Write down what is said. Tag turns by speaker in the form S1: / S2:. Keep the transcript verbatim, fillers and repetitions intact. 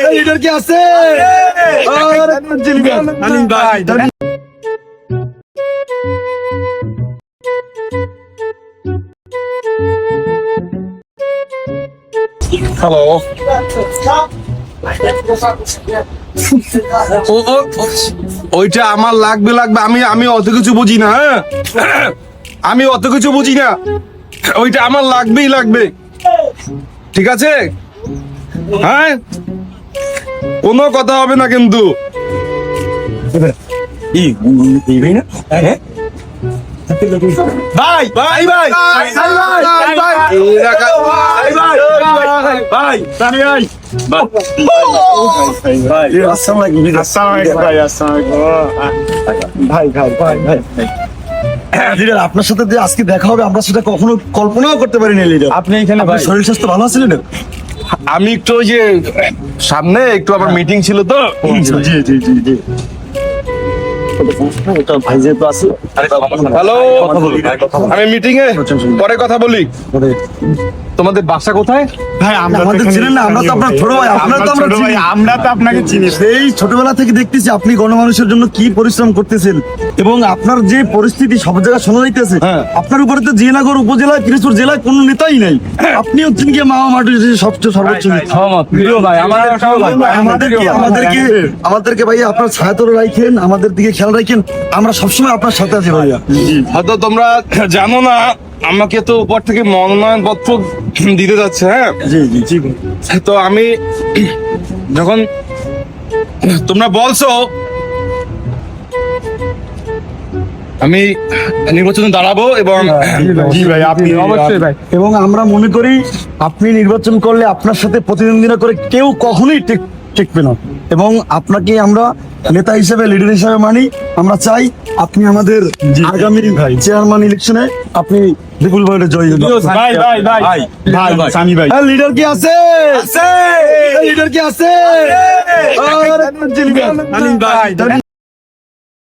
S1: Leader কি আছে?
S2: Hello, ওইটা আমার লাগবে লাগবে আমি আমি অত কিছু বুঝি না। হ্যাঁ, আমি অত কিছু বুঝি না, ওইটা আমার লাগবেই লাগবে। ঠিক আছে? হ্যাঁ, কোনো কথা হবে না কিন্তু। ভাই ভাই ভাই
S1: আপনার সাথে যে আজকে দেখা হবে আমরা সেটা কখনো কল্পনাও করতে পারিনি লিডার।
S3: আপনি এখানে ভাই
S1: শরীর স্বাস্থ্য ভালো আছে লিডার?
S2: আমি একটু ওই যে সামনে একটু আবার মিটিং ছিল তো।
S1: জি জি জি জি ভাই যেহেতু আছে
S2: হ্যালো, আমি মিটিং এ পরে কথা বলি। তোমাদের বাসা কোথায়?
S1: ভাই আমাদের চিনেন না, আমরা তো আপনার ছোট ভাই। আপনার তো আমরা চিনি,
S3: আমরা তো আপনাকে চিনি।
S1: সেই ছোটবেলা থেকে দেখতেছি আপনি গণমানুষের জন্য কি পরিশ্রম করতেছেন এবং আপনার যে পরিস্থিতি সব জায়গায় শোনা যাইতেছে। আপনার উপরে তো জিয়ানগর উপজেলা পিরোজপুর জেলায় কোনো নেতাই নাই। আপনি হচ্ছেন কি মামা মাটির সবচেয়ে সর্বোচ্চ নেতা।
S3: ভাই আমাদের
S1: আমাদেরকে আমাদেরকে আমাদেরকে ভাই আপনার ছায়াতলে রাখেন, আমাদের দিকে খেয়াল রাখেন, আমরা সবসময় আপনার সাথে আছি ভাইয়া।
S2: হয়তো তোমরা জানো না, আমাকে তো উপর থেকে মনোনয়ন পত্র দিতে যাচ্ছে। হ্যাঁ,
S1: জি জি জি
S2: তো আমি যখন তোমরা বলছো আমি নির্বাচনে দাঁড়াবো এবং
S3: জি ভাই আপনি অবশ্যই ভাই।
S1: এবং আমরা মনে করি আপনি নির্বাচন করলে আপনার সাথে প্রতিদ্বন্দ্বিতা করে কেউ কখনোই টিক টিকবে না এবং আপনাকে আমরা নেতা হিসেবে লিডার হিসেবে মানি। আমরা চাই আপনি আমাদের আগামী চেয়ারম্যান ইলেকশনে আপনি বিপুল ভোটে জয়ী হন।
S3: ভাই ভাই ভাই ভাই সানি ভাই
S1: লিডার কি আছে? লিডার কি আছে?
S3: ভাই